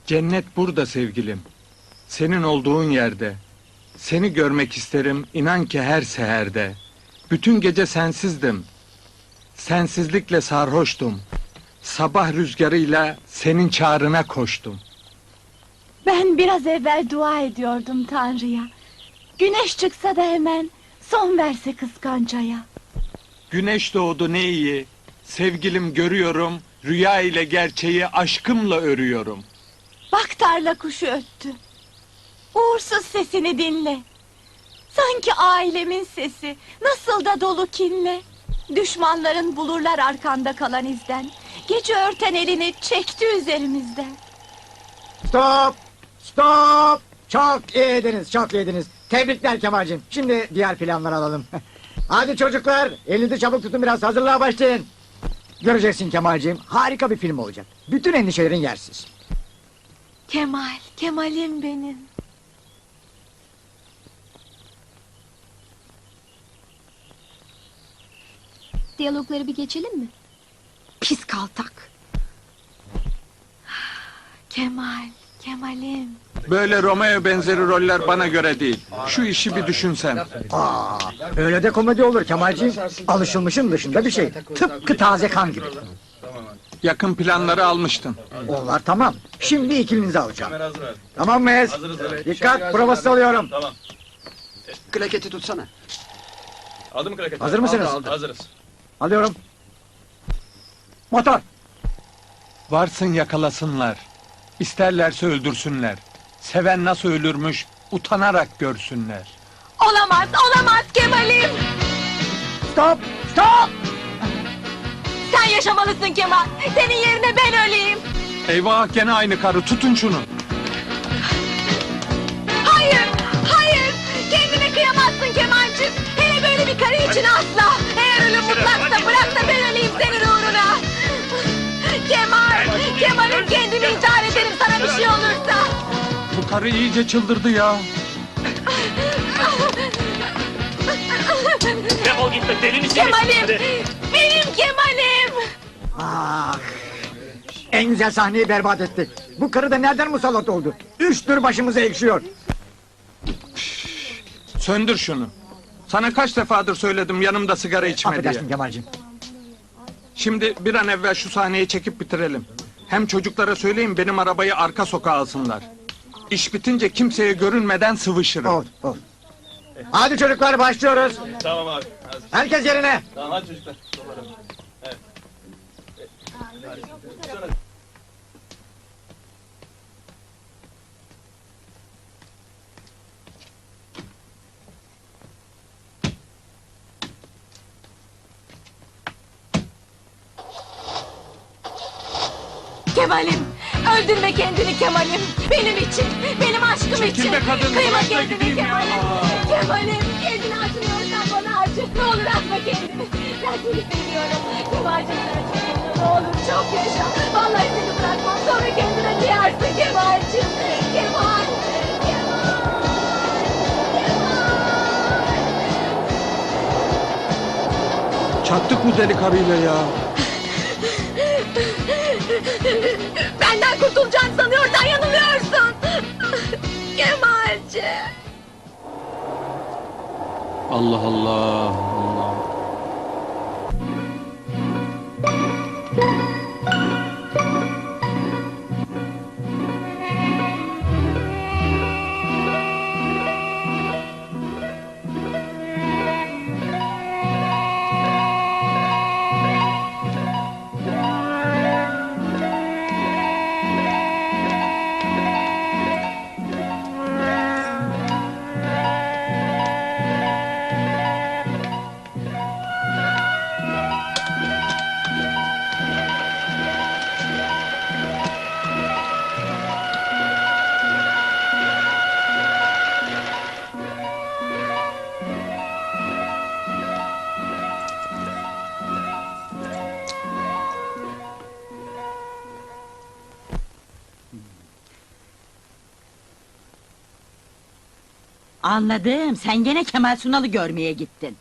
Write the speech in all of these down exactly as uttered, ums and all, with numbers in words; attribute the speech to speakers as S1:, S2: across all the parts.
S1: Cennet burada sevgilim. Senin olduğun yerde. Seni görmek isterim inan ki her seherde. Bütün gece sensizdim. Sensizlikle sarhoştum. Sabah rüzgarıyla senin çağrına koştum.
S2: Ben biraz evvel dua ediyordum Tanrı'ya. Güneş çıksa da hemen son verse kıskancaya.
S1: Güneş doğdu ne iyi. Sevgilim görüyorum. Rüya ile gerçeği aşkımla örüyorum.
S2: Bak tarla kuşu öttü. Uğursuz sesini dinle. Sanki ailemin sesi, nasıl da dolu kinle. Düşmanların bulurlar arkanda kalan izden. Gece örten elini çekti üzerimizden.
S3: Stop! Stop! Çok iyiydiniz, çok iyiydiniz. Tebrikler Kemal'cim. Şimdi diğer planları alalım. Hadi çocuklar, elinizi çabuk tutun, biraz hazırlığa başlayın. Göreceksin Kemal'cim, harika bir film olacak. Bütün endişelerin yersiz.
S2: Kemal, Kemal'im benim.
S4: Diyalogları bir geçelim mi?
S2: Pis kaltak. Kemal, Kemal'im.
S1: Böyle Romeo benzeri roller bana göre değil. Şu işi bir düşünsen.
S3: Aa, öyle de komedi olur Kemal'cim. Alışılmışın dışında bir şey. Tıpkı taze kan gibi.
S1: Yakın planları almıştın.
S3: Onlar tamam. Şimdi ikilinizi alacağım. Tamam mıyız? Dikkat, provası alıyorum.
S5: Tamam.
S6: Klaketi tutsana.
S5: Aldı mı kraket?
S3: Hazır mısınız?
S5: Aldı, aldı. Hazırız.
S3: Alıyorum. Motor.
S1: Varsın yakalasınlar. İsterlerse öldürsünler. Seven nasıl ölürmüş utanarak görsünler.
S2: Olamaz, olamaz Kemal'im.
S3: Stop! Stop!
S2: Sen yaşamalısın Kemal. Senin yerine ben öleyim.
S1: Eyvah gene aynı karı, tutun şunu.
S2: Hayır, hayır. Kendine kıyamazsın Kemal'cim. Hele böyle bir karı için asla. Eğer ölüm mutlaksa bırak da ben öleyim senin uğruna. Kemal, Kemal'im kendimi intihar ederim sana bir şey olursa.
S1: Bu karı iyice çıldırdı ya.
S5: Defol git be, deli misin?
S2: Kemal'im, benim Kemal'im.
S3: Ah! En güzel sahneyi berbat etti. Bu karı da nereden musallat oldu? Üçtür başımıza ekşiyor.
S1: Söndür şunu. Sana kaç defadır söyledim yanımda sigara içme diye.
S3: Affedersin Kemal'cim.
S1: Şimdi bir an evvel şu sahneyi çekip bitirelim. Hem çocuklara söyleyin benim arabayı arka sokağa alsınlar. İş bitince kimseye görünmeden sıvışırım.
S3: Ol, ol. Hadi çocuklar başlıyoruz.
S5: Tamam abi. Hazır.
S3: Herkes yerine.
S5: Tamam hadi çocuklar. Evet.
S2: Kemal'im, öldürme kendini Kemal'im. Benim için, benim aşkım için.
S1: Çekil be kadın,
S2: Kıyma
S1: bırak da
S2: kendini
S1: gideyim ya.
S2: Kemal'im. Kemal'im, kendini acımıyorsan bana acı. Ne olur atma kendini. Ben seni seviyorum. Kemal'cim sana çok yaşa. Ne olur çok yaşa. Vallahi seni bırakmam. Sonra kendine duyarsın Kemal'cim. Kemal, Kemal, Kemal.
S1: Çattık bu deli karıyla ya.
S2: Benden kurtulacağını sanıyorsan yanılıyorsun. Kemal'cim.
S1: Allah Allah Allah.
S7: Anladım, sen gene Kemal Sunal'ı görmeye gittin.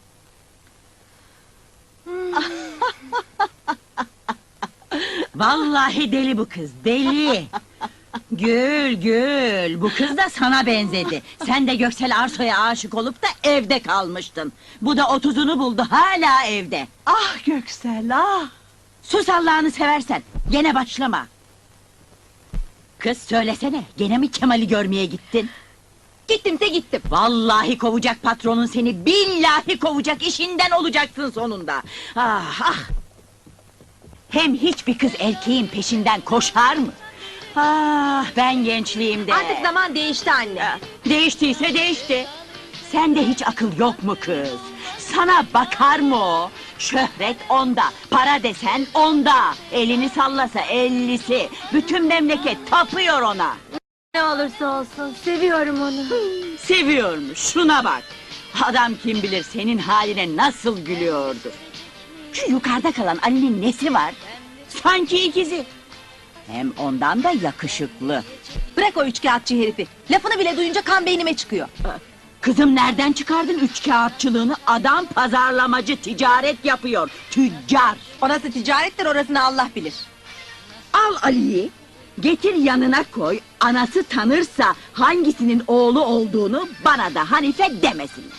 S7: Vallahi deli bu kız, deli! Gül gül, bu kız da sana benzedi. Sen de Göksel Arso'ya aşık olup da evde kalmıştın. Bu da otuzunu buldu, hala evde.
S2: Ah Göksel ah!
S7: Sus Allah'ını seversen, gene başlama. Kız söylesene, gene mi Kemal'i görmeye gittin?
S2: Gittimse gittim.
S7: Vallahi kovacak patronun seni, billahi kovacak, işinden olacaksın sonunda. Ah ah! Hem hiçbir kız erkeğin peşinden koşar mı? Ah, ben gençliğimde...
S2: Artık zaman değişti anne.
S7: Değiştiyse değişti. Sende hiç akıl yok mu kız? Sana bakar mı o? Şöhret onda, para desen onda. Elini sallasa ellisi. Bütün memleket tapıyor ona.
S2: Ne olursa olsun seviyorum onu.
S7: Seviyormuş, şuna bak. Adam kim bilir senin haline nasıl gülüyordu. Şu yukarıda kalan Ali'nin nesi var? Sanki ikizi. Hem ondan da yakışıklı.
S2: Bırak o üçkağıtçı herifi. Lafını bile duyunca kan beynime çıkıyor.
S7: Kızım nereden çıkardın üç kağıtçılığını? Adam pazarlamacı, ticaret yapıyor. Tüccar.
S2: Orası ticarettir, orasını Allah bilir.
S7: Al Ali'yi, getir yanına koy. Anası tanırsa hangisinin oğlu olduğunu bana da Hanife demesinler.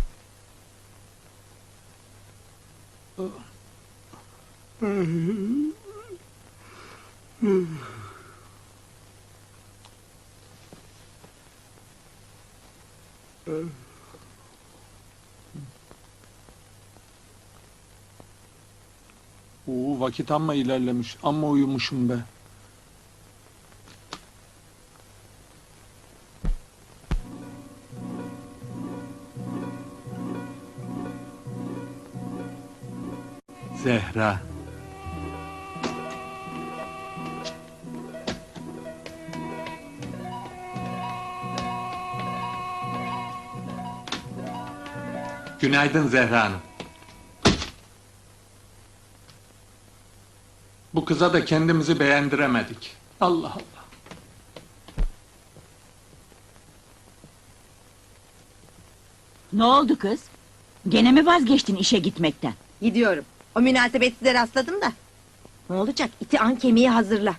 S1: Oo, vakit amma ilerlemiş. Amma uyumuşum be. Zehra. Günaydın Zehra Hanım. Bu kıza da kendimizi beğendiremedik. Allah Allah.
S7: Ne oldu kız? Gene mi vazgeçtin işe gitmekten?
S2: Gidiyorum. O münasebetsize rastladım da. Ne olacak? İti an kemiği hazırla.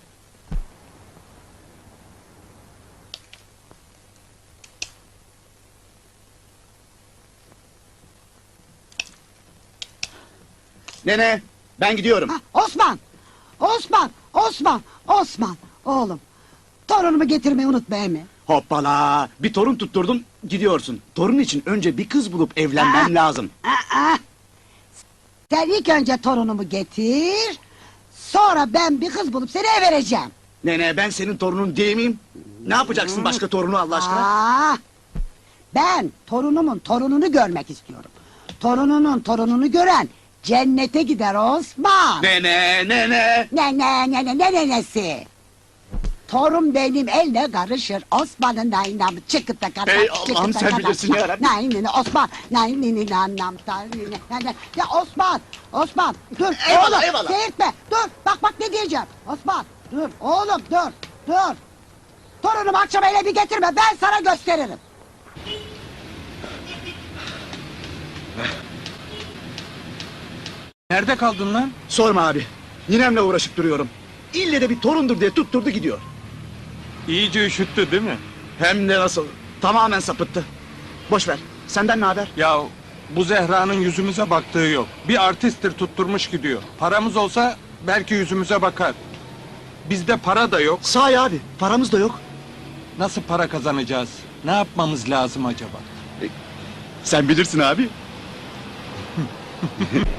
S6: Nene, ben gidiyorum.
S8: Osman! Osman! Osman! Osman! Oğlum! Torunumu getirmeyi unutma emi.
S6: Hoppala, bir torun tutturdum, gidiyorsun. Torun için önce bir kız bulup evlenmem
S8: Aa!
S6: lazım.
S8: Aa! Sen ilk önce torunumu getir... ...sonra ben bir kız bulup seni eve vereceğim.
S6: Nene, ben senin torunun değil miyim? Ne yapacaksın başka torunu Allah aşkına?
S8: Aa! Ben torunumun torununu görmek istiyorum. Torununun torununu gören... ...cennete gider Osman.
S6: Nene, nene!
S8: Ne ne ne ne ne ne nesi? Torun benim elle karışır. Osman'ın naynam çıkıta kadar.
S6: Ey Allah'ım, sen bilirsin ya Rabbi.
S8: Naynini Osman. Naynini nannam tarnini. Ya Osman. Osman dur.
S6: Eyvallah,
S8: oğlum,
S6: eyvallah.
S8: Seyirtme. Dur. Bak bak ne diyeceğim. Osman dur. Oğlum dur. Dur. Torunumu akşam ele bir getirme. Ben sana gösteririm.
S1: Nerede kaldın lan?
S6: Sorma abi, ninemle uğraşıp duruyorum. İlle de bir torundur diye tutturdu gidiyor.
S1: İyice üşüttü değil mi?
S6: Hem de nasıl, tamamen sapıttı. Boş ver, senden ne haber?
S1: Ya bu Zehra'nın yüzümüze baktığı yok. Bir artisttir tutturmuş gidiyor. Paramız olsa belki yüzümüze bakar. Bizde para da yok.
S6: Sahi abi, paramız da yok.
S1: Nasıl para kazanacağız? Ne yapmamız lazım acaba?
S6: Sen bilirsin abi.